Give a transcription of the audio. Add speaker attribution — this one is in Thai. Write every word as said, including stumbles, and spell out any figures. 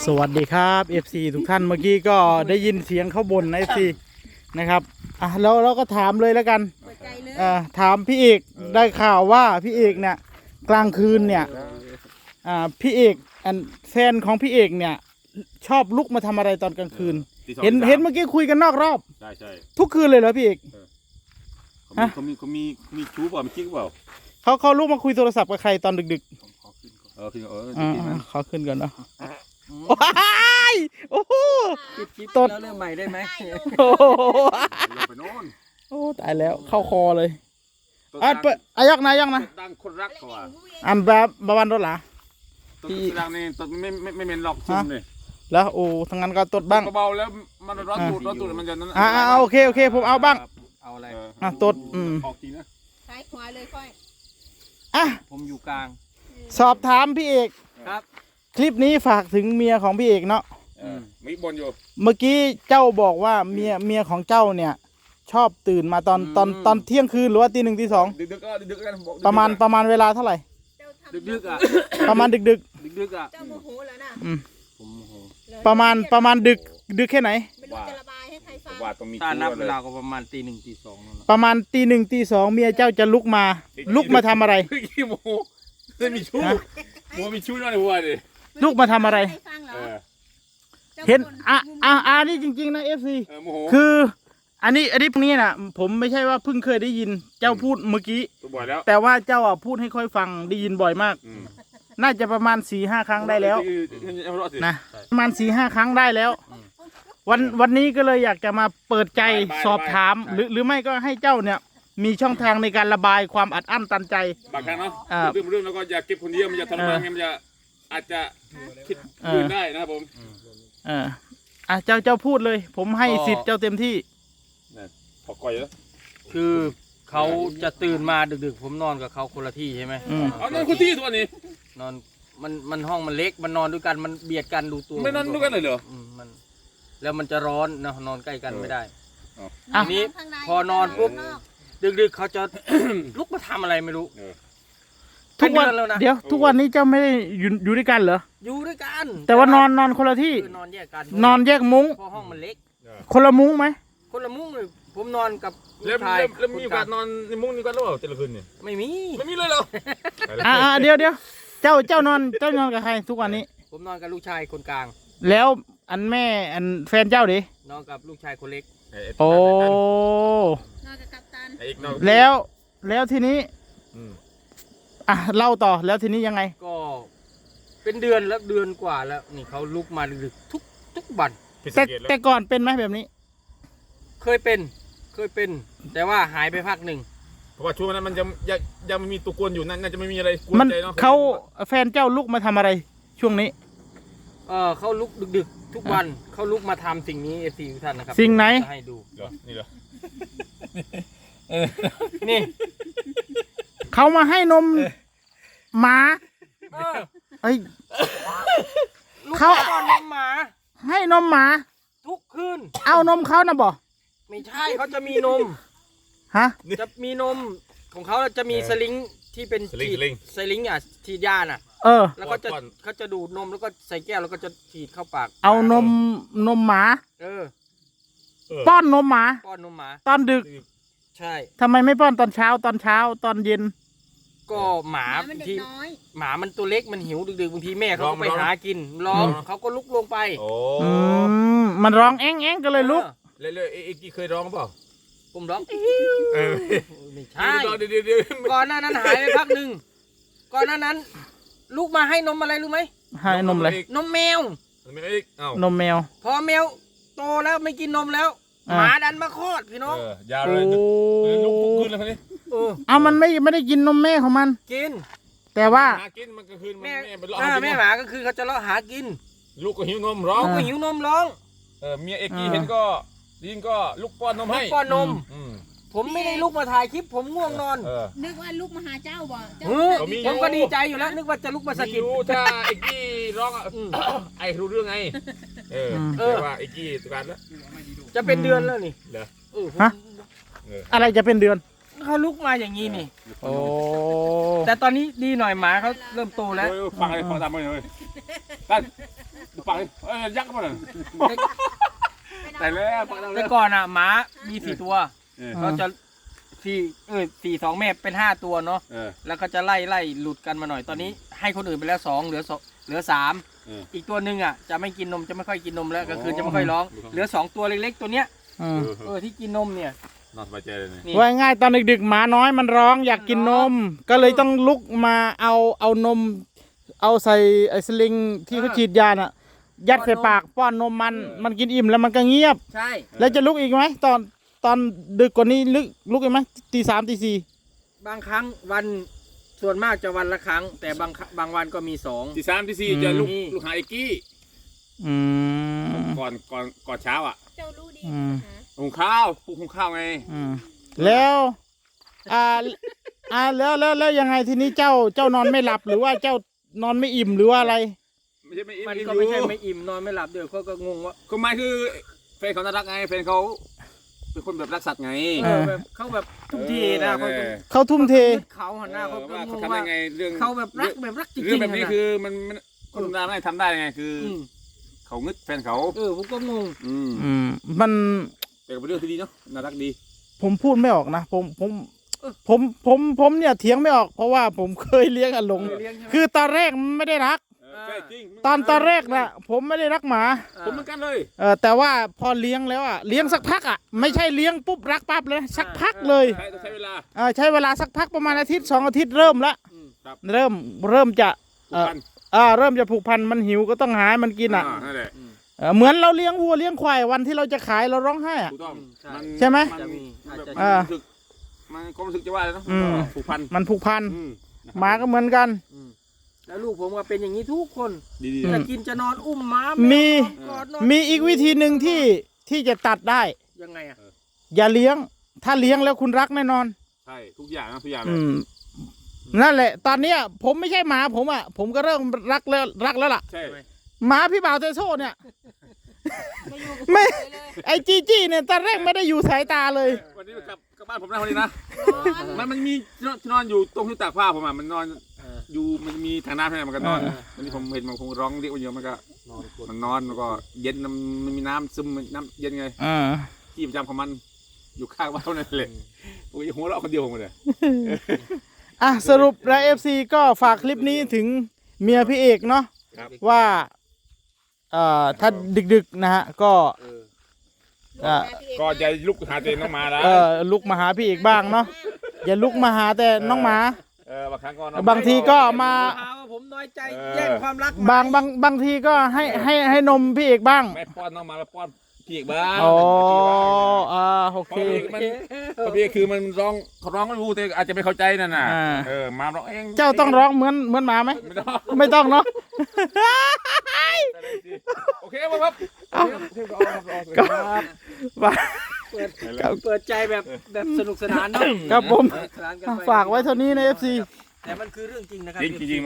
Speaker 1: สวัสดีครับ เอฟ ซี ทุกท่านเมื่อกี้ก็ได้ยินเสียงเขาบ่นนะ เอฟ ซี นะครับอ่ะแล้วเราก็ถามเลยแล้วกันอ่าถามพี่เอกได้ข่าวว่าพี่เอกเนี่ยกลางคืนเนี่ยอ่าพี่เอกอันแฟนของพี่เอกเนี่ยชอบลุกมาทำอะไรตอนกลางคืนเห็นเห็นเมื่อกี้คุยกันนอกรอบ
Speaker 2: ใช่ใช่
Speaker 1: ทุกคืนเลยเหรอพี่เอก
Speaker 2: เขามีเขามีเขามีชู้เปล่ามีกิ๊กเปล่า
Speaker 1: เขาเขาลุกมาคุยโทรศัพท์กับใครตอนดึกๆ
Speaker 2: เออขึ้นเออ
Speaker 1: อ่าขอขึ้นก่อนเนาะโอ้โห
Speaker 3: ตดแล้วเริ่มใหม่ได้ไหม
Speaker 1: โอ้โห
Speaker 2: ไปโน่น
Speaker 1: โอ้ตายแล้วเข้าคอเลยอ่ะเปิดอายักนะยักนะ
Speaker 2: ดังคนรักกว่า
Speaker 1: อันแบบบาวันรถหรอ
Speaker 2: พี่ดังนี่ตดไม่ไม่ไม่เป็นหลอกซุ่มเลย
Speaker 1: แล้วโอ้ทั้งนั้นก็ตดบ้าง
Speaker 2: เบาแล้วมันร้อนตูดร้อนตูดมันจะนั่น
Speaker 1: อ่าโอเคโอเคผมเอาบ้าง
Speaker 3: เอาอะไร
Speaker 1: อ่ะตดอืม
Speaker 2: ออกทีนะ
Speaker 4: ซ้ายขวาเลยค่อย
Speaker 1: อ่ะ
Speaker 3: ผมอยู่กลาง
Speaker 1: สอบถามพี่เอก
Speaker 3: ครับ
Speaker 1: คลิปนี้ฝากถึงเมียของพี่เอกเนาะ
Speaker 2: มีบนอยู่
Speaker 1: เมื่อกี้เจ้าบอกว่าเมียเมียของเจ้าเนี่ยชอบตื่นมาตอนตอนตอนเที่ยงคืนหรือว่าตีหนึ่งตีสอง
Speaker 2: ดึกๆก็ดึกๆกัน
Speaker 1: ประมาณประมาณเวลาเท่าไหร่
Speaker 3: ดึกๆอ่ะ
Speaker 1: ประมาณดึกดึก
Speaker 3: ดึกๆอ่ะ
Speaker 4: เจ้าโมโหแล้วนะ
Speaker 1: อืม
Speaker 3: ผมโมโห
Speaker 1: ประมาณประมาณดึกดึกแค่ไหน
Speaker 4: ไม่รู้จะระบายให้ใครฟัง
Speaker 2: ว่าต้องมี
Speaker 3: ถ้านับเวลาก็ประมาณตีหนึ่งตีสองนั่นแหละ
Speaker 1: ประมาณตีหนึ่งตีสองเมียเจ้าจะลุกมาลุกมาทำอะไร
Speaker 2: ขี้โมจะมีชู้โมมีชู้นั่นหัวดิ
Speaker 1: ลุกมาทำอะไรเห็นอ่ะอ่ะอ่ะนี่จริงๆนะเอฟซีคืออันนี้อันนี้พวกนี้นะผมไม่ใช่ว่าเพิ่งเคยได้ยินเจ้าพูดเมื่อกี้แต่ว่าเจ้าอ่ะพูดให้ค่อยฟังได้ยินบ่อยมากน่าจะประมาณสี่ห้าครั้งได้แล้วนะประมาณสี่ห้าครั้งได้แล้ววันวันนี้ก็เลยอยากจะมาเปิดใจสอบถามหรือหรือไม่ก็ให้เจ้าเนี่ยมีช่องทางในการระบายความอัดอั้นตันใจ
Speaker 2: บางครั้งเนาะเรื่องเรื่องแล้วก็อย่าเก็บคนเดียวมันจะทรมานมันจะอาจจะคิดอื่นได้นะครับผม
Speaker 1: เอออ่ะเจ้าเจ้าพูดเลยผมให้สิทธิ์เจ้าเต็มที่
Speaker 2: พอก่อยแล้ว
Speaker 3: คือเขาจะตื่นมาดึกๆผมนอนกับเขาคนละที่ใช่ไหม
Speaker 2: เอานอนคนที่ตัวนี้
Speaker 3: นอนมันมันห้องมันเล็กมันนอนด้วยกันมันเบียดกันดูตัว
Speaker 2: ไม่นอนด้วยกันเลยเหรอ
Speaker 3: มันแล้วมันจะร้อนนะนอนใกล้กันไม่ได้ทีนี้พอนอนปุ๊บดึกๆเขาจะลุกมาทำอะไรไม่รู้
Speaker 1: ทุกวันเดี๋ยวทุกวันนี้เจ้าไม่ได้อยู่อยู่ด้วยกันเหรอ
Speaker 3: อยู่ด้วยกัน
Speaker 1: แต่ว่านอนนอนคนละที่
Speaker 3: นอนแยกกัน
Speaker 1: นอนแยกมุ้ง
Speaker 3: เพราะห้องมันเล็ก
Speaker 1: คนละมุ้งไหม
Speaker 3: คนละมุ้งเลยผมนอนกับ
Speaker 2: แล้วแล้วมีโอกาสนอนในมุ้งนี้กันหรือเปล่าแต่ละคืนเนี่ย
Speaker 3: ไม่มี
Speaker 2: ไม่มีเลยเหรอ
Speaker 1: อ่าเดี๋ยวเดี๋ยวเจ้าเจ้านอนเจ้านอนกับใครทุกวันนี้
Speaker 3: ผมนอนกับลูกชายคนกลาง
Speaker 1: แล้วอันแม่อันแฟนเจ้าดิ
Speaker 3: นอนกับลูกชายคนเล็ก
Speaker 1: โอ้
Speaker 4: นอนกับกัปตัน
Speaker 1: แล้วแล้วทีนี้อ่ะเล่าต่อแล้วทีนี้ยังไง
Speaker 3: ก็เป็นเดือนแล้วเดือนกว่าแล้วนี่เขาลุกมาดึกทุกทุกวัน
Speaker 1: แต่แต่ก่อนเป็นไหมแบบนี้
Speaker 3: เคยเป็นเคยเป็นแต่ว่าหายไปพักหนึ่ง
Speaker 2: เพราะว่าช่วงนั้นมันยังยังยังไม่มีตัวกวนอยู่นั่นน่าจะไม่มีอะไรกวนใจเนาะ
Speaker 1: เขาแฟนเจ้าลุกมาทำอะไรช่วงนี้
Speaker 3: เออเขาลุกดึกๆทุกวันเขาลุกมาทำสิ่งนี้เอฟซีทุกท่านนะครับ
Speaker 1: สิ่งไหน
Speaker 3: ให้ดู
Speaker 2: นี่เหรอ
Speaker 3: นี่
Speaker 1: เขามาให้นมหมาเอ้ย
Speaker 3: เขาเอานมหมา
Speaker 1: ให้นมหมา
Speaker 3: ทุกคืน
Speaker 1: เอานมเขานะบ่
Speaker 3: ไม่ใช่เขาจะมีนม
Speaker 1: ฮะ
Speaker 3: จะมีนมของเขาจะมีสลิงที่เป็นฉีดสลิงอ่ะฉีดยาน่ะ
Speaker 1: เออ
Speaker 3: แล้วก็จะเขาจะดูดนมแล้วก็ใส่แก้วแล้วก็จะฉีดเข้าปาก
Speaker 1: เอานมนมหมา
Speaker 3: เออ
Speaker 1: ป้อนนมหมา
Speaker 3: ป้อนนมหมา
Speaker 1: ตอนดึก
Speaker 3: ใช่
Speaker 1: ทำไมไม่ป้อนตอนเช้าตอนเช้าตอนเย็น
Speaker 3: ก็หมาบางทีหมามันตัวเล็กมันหิวดึกๆบางทีแม่เขาไปหากินร้องเขาก็ลุกลงไป
Speaker 2: โอ้
Speaker 1: มันร้องแอ้งแอ้งก็เลยลุก
Speaker 2: เลยเลยเอ็กกี้เคยร้องเปล่า
Speaker 3: ผมร้องไม่ใช่ก่อนหน้านั้นหายไปพักหนึ่งก่อนหน้านั้นลูกมาให้นมอะไรรู้ไหม
Speaker 1: ให้นมอะไร
Speaker 3: นมแมวน
Speaker 1: มแมว
Speaker 3: พอแมวโตแล้วไม่กินนมแล้วหมาดันมาคลอดพี่น้อง
Speaker 2: ยาวเลยลุกทุกคืนเลยคนนี้
Speaker 1: เอามันไม่ไม่ได้กินนมแม่ของมัน
Speaker 3: กิน
Speaker 1: แต่ว่า
Speaker 2: หากินมันก็คืน
Speaker 3: แม่แม่หมาก็คือเขาจะเลาะหากิน
Speaker 2: ลูกก็หิวนมร้อง
Speaker 3: ลูกก็หิวนมร้อง
Speaker 2: เออเมียเอ็กกี้เห็นก็ยิงก็ลูกป้อนนมให้
Speaker 3: ป้อนนมผมไม่ได้ลุกมาถ่ายคลิปผมง่วงนอน
Speaker 4: นึกว่าลุกมาหาเจ้าบ่
Speaker 3: ผมก็ดีใจอยู่แล้วนึกว่าจะลุกมาสกิด
Speaker 2: ถ้าเอ็กกี้ร้องไอ้รู้เรื่องไงเออแต่ว่าเอ็กกี้ตุการแล้ว
Speaker 3: จะเป็นเดือนแล้วนี่
Speaker 2: เหรอ
Speaker 1: ฮะอะไรจะเป็นเดือน
Speaker 3: เขาลุกมาอย่างนี้นี่
Speaker 1: โอ้
Speaker 3: แต่ตอนนี้ดีหน่อยหมาเขาเริ่มโตแล้ว
Speaker 2: ฟังอะไรฟังตามไปเลยตั้นปักเอ้ยยักษ์มาเลยแต่แล้วปักแล้ว
Speaker 3: แต่ก่อนอ่ะหมามีสี่ตัว
Speaker 2: เออ
Speaker 3: เขาจะสี่เออสี่สองแม่เป็นห้าตัวเนาะ
Speaker 2: เออ
Speaker 3: แล้วเขาจะไล่ไล่หลุดกันมาหน่อยตอนนี้ให้คนอื่นไปแล้วสองเหลือสองเหลือสาม
Speaker 2: เออ
Speaker 3: อีกตัวหนึ่งอ่ะจะไม่กินนมจะไม่ค่อยกินนมแล้วก็คือ
Speaker 2: อ๋อ
Speaker 3: จะไม่ค่อยร้องเหลือสองตัวเล็กๆตัวเนี้ย
Speaker 1: อืม
Speaker 3: เออที่กินนมเนี่ย
Speaker 2: นอนสบายใจเลยเนี่ย
Speaker 3: นี่
Speaker 1: ว่าง่ายตอนดึกๆหมาน้อยมันร้องอยากกินนม ก็เลยต้องลุกมาเอาเอานม เอาใส่ไอ้สลิงที่เขาฉีดยาน่ะ ยัดใส่ปากป้อนนมมันมันกินอิ่มแล้วมันก็เงียบ
Speaker 3: ใช่
Speaker 1: แล้วจะลุกอีกไหมตอนตอนดึกกว่านี้ลุกลุกอีกไหมตีสามตีสี่
Speaker 3: บางครั้งวันส่วนมากจะวันละครั้ง แต่บางครั้งบางวันก็มีสอง
Speaker 2: ที่สามที่สี่จะลูกลูกหาไอ้กี้
Speaker 1: อืม
Speaker 2: ก่อนก่อนก่อนเช้าอ่ะ
Speaker 4: เจ้ารู้ดี
Speaker 1: อืม
Speaker 4: นะ
Speaker 2: หุงข้าวปลุกหุงข้าวไง
Speaker 1: อืมแล้วอ่าอ่าแล้วแล้วแล้วยังไงทีนี้เจ้าเจ้านอนไม่หลับหรือว่าเจ้านอนไม่อิ่มหรือว่าอะไร
Speaker 2: ไม่ใช่ไม่อิ่ม
Speaker 3: มัน
Speaker 2: อิ่ม
Speaker 3: ก็
Speaker 2: อยู่
Speaker 3: ไม่ใช่ไม่อิ่มนอนไม่หลับเดี๋ยวเขาก็งงว่า
Speaker 2: ก็ไม่คือแฟนเขาน่ารักไงแฟนเขาเป็นคนแบบรักสัตว์ไง
Speaker 3: เออแบบเขาแบบทุกทีนะเขาก็
Speaker 1: เขาทุ่มเท
Speaker 3: เขาหันหน้าเขาก็
Speaker 2: ว่าง เขา
Speaker 3: ง
Speaker 2: ทำได้
Speaker 3: ว่า
Speaker 2: ไงเรื่อง
Speaker 3: เขาแบบรักแบบรักจริงๆ
Speaker 2: เรื่องแบบนี้
Speaker 3: ะ
Speaker 2: คือมันมันคนธรรมดาไม่ทำได้ไงคืออ
Speaker 3: ม
Speaker 2: เขางึดแฟนเขา
Speaker 3: เออผมก็งง
Speaker 2: อืม
Speaker 1: อืมมัน
Speaker 2: แต่ก็เป็นเรื่องที่ดีเนาะน่ารักดี
Speaker 1: ผมพูดไม่ออกนะผมผมผมผมผมเนี่ยเถียงไม่ออกเพราะว่าผมเคยเลี้ยงอาหลง
Speaker 3: เลี้ยงใช่ไหม
Speaker 1: คือตอนแรกมันไม่ได้รัก
Speaker 2: เออใช่จริง
Speaker 1: ตอนตอนแรกนะผมไม่ได้รักหมา
Speaker 2: ผมเหมือนกันเลย
Speaker 1: เออแต่ว่าพอเลี้ยงแล้วอ่ะเลี้ยงสักพักอ่ะไม่ใช่เลี้ยงปุ๊บรักปั๊บเลยนะสักพักเลย
Speaker 2: ใช้ต้องใช้เวลา
Speaker 1: เออใช้เวลาสักพักประมาณอาทิตย์สองอาทิตย์เริ่มละ
Speaker 3: อืม
Speaker 2: ครับ
Speaker 1: เริ่มเริ่มจะ
Speaker 2: ผูกพัน
Speaker 1: อ่าเริ่มจะผูกพันมันหิวก็ต้องหาให้มันกินอ่ะ
Speaker 2: านั่นแหละ
Speaker 1: เออเหมือนเราเลี้ยงวัวเลี้ยงควายวันที่เราจะขายเราร้องไห้อ่ะ
Speaker 2: ถูกต้อง
Speaker 3: ใช่
Speaker 2: น
Speaker 1: ใช่ไหม
Speaker 2: น
Speaker 3: จะมีอาจจะ
Speaker 2: แบบ
Speaker 1: อ่า
Speaker 2: รู้สึกมันความรู้สึกจะว่าอะไรเนาะ
Speaker 1: อืม
Speaker 2: ผูกพัน
Speaker 1: มันผูกพัน
Speaker 2: อืม
Speaker 1: หมาก็เหมือนกัน
Speaker 3: อืมแล้วลูกผมก็เป็นอย่างนี้ทุกคน
Speaker 2: ดี
Speaker 1: อื
Speaker 3: จะ
Speaker 1: ม
Speaker 3: กินจะนอนอุ้มม้า
Speaker 1: มี
Speaker 3: แวนอนกอดนอน
Speaker 1: มีอีกวิธีหนึ่งที่ที่จะตัดได้
Speaker 3: ยังไงอ่ะ
Speaker 1: อย่าเลี้ยง ถ้าเลี้ยงแล้วคุณรักแน่นอน
Speaker 2: ใช่ทุกอย่างนะทุกอย่างเล
Speaker 1: อื
Speaker 2: ย
Speaker 1: มนั่นแหละ ตอนเนี้ยผมไม่ใช่หมาผมอ่ะ ผมก็เริ่มรักแล้วรักแล้วล่ะ
Speaker 2: ใช่
Speaker 1: หมาพี่บ่าวเตโซ่เนี่ย
Speaker 4: ไม่อยู่กับ
Speaker 1: ไม่
Speaker 4: ใครเลย
Speaker 1: ไอจีจี้เนี่ยตอนแรกไม่ได้อยู่สายตาเลย
Speaker 2: วันนี้กลับกลับบ้านผมนะวันนี้นะ
Speaker 4: นอน
Speaker 2: มันมันมีที่นอนที่นอนอยู่ตรงที่ตากผ้าผมอ่ะมันนอน
Speaker 3: เออ
Speaker 2: อยู่มันมีทางน้ำใช่ไหมมันก็นอน
Speaker 1: เออ
Speaker 2: วันนี้ผมเห็นมันคงร้องเรียกมันเยอะมันก็
Speaker 3: นอนกด
Speaker 2: มันนอนมันก็เย็นมันมันมีน้ำซึมน้ำเย็นไง
Speaker 1: อ่า
Speaker 2: ที่ประจำของมันอยู่ข้างบ้านนั่นแหละโอ้ยหัวเราะคนเดียวผมเลย
Speaker 1: อ่ะสรุปแล้วเอฟซีก็ฝากคลิปนี้ถึงเมียพี่เอกเนาะ
Speaker 2: ครับ
Speaker 1: ว่าเอ่อถ้าดึกๆนะฮะก็
Speaker 3: เออ
Speaker 1: อ่า
Speaker 2: ก็จะลุกหาตัวเองน้องมาแล้ว
Speaker 1: เออลุกมาหาพี่เอกบ้างเนาะอย่าลุกมาหาแต่น้องหมา
Speaker 2: เออบางครั้งก็นอน
Speaker 1: บางทีก็มา
Speaker 3: หาว่าผมน้อยใจ
Speaker 2: เออ
Speaker 3: แย่งความรัก
Speaker 1: บางบางบางทีก็ให้ให้ให้นมพี่เอกบ้าง
Speaker 2: ไม่ป้อนน้องมาแล้วป้อนพี่อีกบ้าง
Speaker 1: อ๋ออ่าโอ
Speaker 2: เพ
Speaker 1: เค
Speaker 2: ราะพี่มันเพราะพี่คือมันร้องเขาร้องไม่รู้แต่อาจจะไม่เข้าใจนั่นน่ะ
Speaker 1: อ่า
Speaker 2: เออมาร้องเอง
Speaker 1: เจ้าต้องร้องเหมือนเหมือนหมาไหม
Speaker 2: ไม่ต้อง
Speaker 1: ไม่ต้องเนาะ
Speaker 2: โอเคครับ
Speaker 1: เอา
Speaker 2: โอเคครับ
Speaker 1: ก็
Speaker 2: ครับ
Speaker 1: ว่า
Speaker 3: เปิดเปิดใจแบบแบบสนุกสนานเนาะ
Speaker 1: ครับผม
Speaker 3: สนุกสนานกันไป
Speaker 1: ฝากไว้เท่านี้ในเอฟซี
Speaker 3: แต่มันคือเรื่องจริงนะครับ
Speaker 2: จริงจริง